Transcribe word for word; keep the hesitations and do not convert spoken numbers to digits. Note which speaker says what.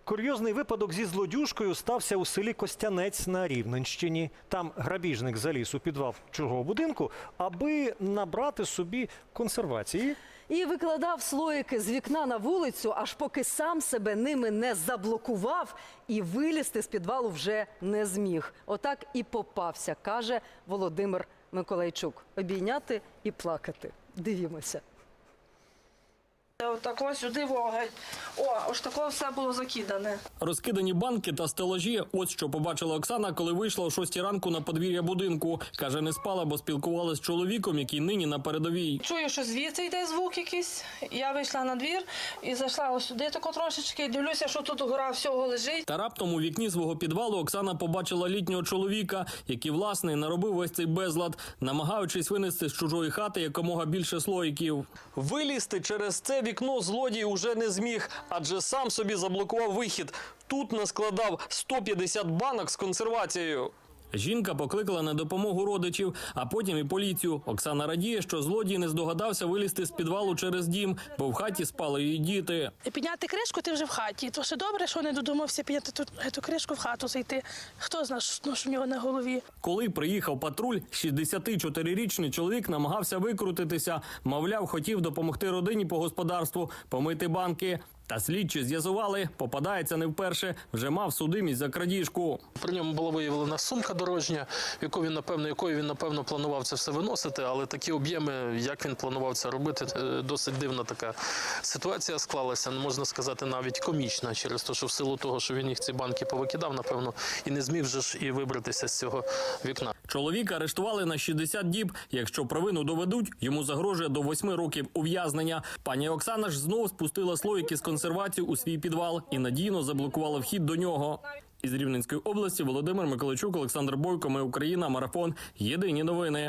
Speaker 1: Курйозний випадок зі злодюжкою стався у селі Костянець на Рівненщині. Там грабіжник заліз у підвал чужого будинку, аби набрати собі консервації.
Speaker 2: І викладав слоїки з вікна на вулицю, аж поки сам себе ними не заблокував і вилізти з підвалу вже не зміг. Отак і попався, каже Володимир Миколайчук. Обійняти і плакати. Дивімося.
Speaker 3: Отак ось сюди вогонь. О, ось тако все було закидане.
Speaker 4: Розкидані банки та стелажі – ось що побачила Оксана, коли вийшла о шостій ранку на подвір'я будинку. Каже, не спала, бо спілкувалася з чоловіком, який нині на передовій.
Speaker 3: Чую, що звідси йде звук якийсь. Я вийшла на двір і зайшла ось сюди тако трошечки. Дивлюся, що тут гора всього лежить.
Speaker 4: Та раптом у вікні свого підвалу Оксана побачила літнього чоловіка, який, власне, наробив весь цей безлад, намагаючись винести з чужої хати якомога більше слоїків. Вилізти через це вікно злодій уже не зміг, адже сам собі заблокував вихід. Тут наскладав сто п'ятдесят банок з консервацією. Жінка покликала на допомогу родичів, а потім і поліцію. Оксана радіє, що злодій не здогадався вилізти з підвалу через дім, бо в хаті спали її діти.
Speaker 5: Підняти кришку, ти вже в хаті. То ще добре, що не додумався підняти ту, ту кришку в хату зайти. Хто знає, що в нього на голові.
Speaker 4: Коли приїхав патруль, шістдесятичотирирічний чоловік намагався викрутитися. Мовляв, хотів допомогти родині по господарству, помити банки. Та слідчі з'ясували, попадається не вперше, вже мав судимість за крадіжку.
Speaker 6: При ньому була виявлена сумка дорожня, яку він, напевно, якою він, напевно, планував це все виносити, але такі об'єми, як він планував це робити, досить дивна така ситуація склалася, можна сказати, навіть комічна, через те, що в силу того, що він їх ці банки повикидав, напевно, і не зміг вже ж і вибратися з цього вікна.
Speaker 4: Чоловіка арештували на шістдесят діб. Якщо провину доведуть, йому загрожує до восьми років ув'язнення. Пані Оксана ж знов спустила слоїки з консервації у свій підвал і надійно заблокувала вхід до нього. Із Рівненської області Володимир Миколайчук, Олександр Бойко, Ми Україна, Марафон. Єдині новини.